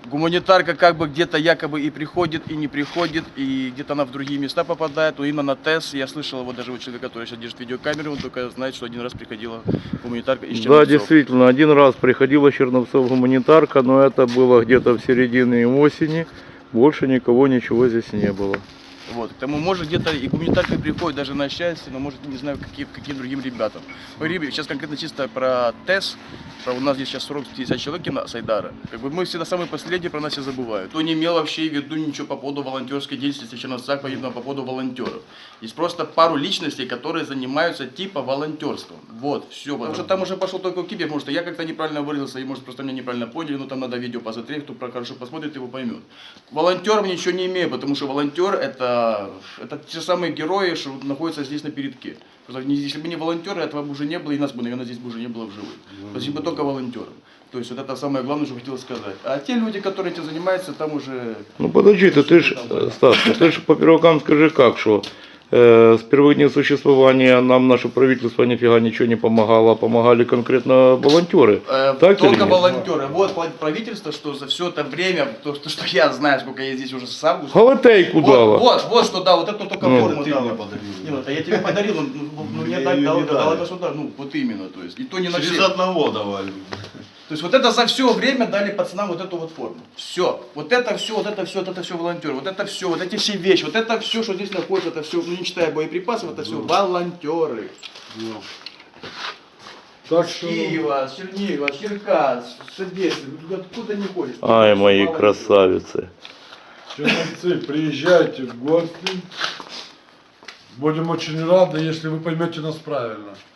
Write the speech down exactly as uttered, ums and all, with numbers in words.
Гуманитарка как бы где-то якобы и приходит, и не приходит, и где-то она в другие места попадает, но именно на ТЭС, я слышал его даже у человека, который сейчас держит видеокамеру, он только знает, что один раз приходила гуманитарка из Черновцов. Да, действительно, один раз приходила Черновцов гуманитарка, но это было где-то в середине осени, больше никого, ничего здесь не было. Вот, к тому, может, где-то и гуманитарка приходит даже на счастье, но может, не знаю, каким, каким другим ребятам. Говорим сейчас конкретно чисто про ТЭС, про у нас здесь сейчас сорок пятьдесят человек на Сайдара. Как бы мы всегда самые последние, про нас все забывают. Кто не имел вообще в виду ничего по поводу волонтерской деятельности в Черновцах, по поводу волонтеров. Есть просто пару личностей, которые занимаются типа волонтерством. Вот, все. Потому что там уже пошел только кибер, может, я как-то неправильно выразился, и может, просто меня неправильно поняли, но там надо видео посмотреть, кто хорошо посмотрит, его поймет. Волонтером ничего не имею, потому что волонтер это Это те самые герои, что находятся здесь на передке. Если бы не волонтеры, этого бы уже не было, и нас бы, наверное, здесь бы уже не было в живых. Спасибо только волонтерам. То есть вот это самое главное, что хотел сказать. А те люди, которые этим занимаются, там уже... Ну подожди, ты, ты ж, Стас, ты ж по первокам скажи как, что э, с первых дней существования нам наше правительство нифига ничего не помогало, помогали конкретно волонтеры. Э, так только волонтеры. Вот правительство, что за все это время, то, то, что я знаю, сколько я здесь уже с августа. Галатейку вот, дала. Вот, вот что да, вот это только ну, форму ты дала. мне подарил. Не, ну, это я тебе подарил, ну, ну мне так дал, дала государство, ну вот именно, то есть. И то не на Через всех. одного давали. То есть вот это за все время дали пацанам вот эту вот форму. Все. Вот это все, вот это все, вот это все волонтеры, вот это все, вот эти все вещи, вот это все, что здесь находится, это все, ну не считая боеприпасов, это все волонтеры. Так С что... Киева, с Чернигова, с Черкас, с Одессы, откуда не ходишь. Ай, мои красавицы. Черновцы, приезжайте в гости. Будем очень рады, если вы поймете нас правильно.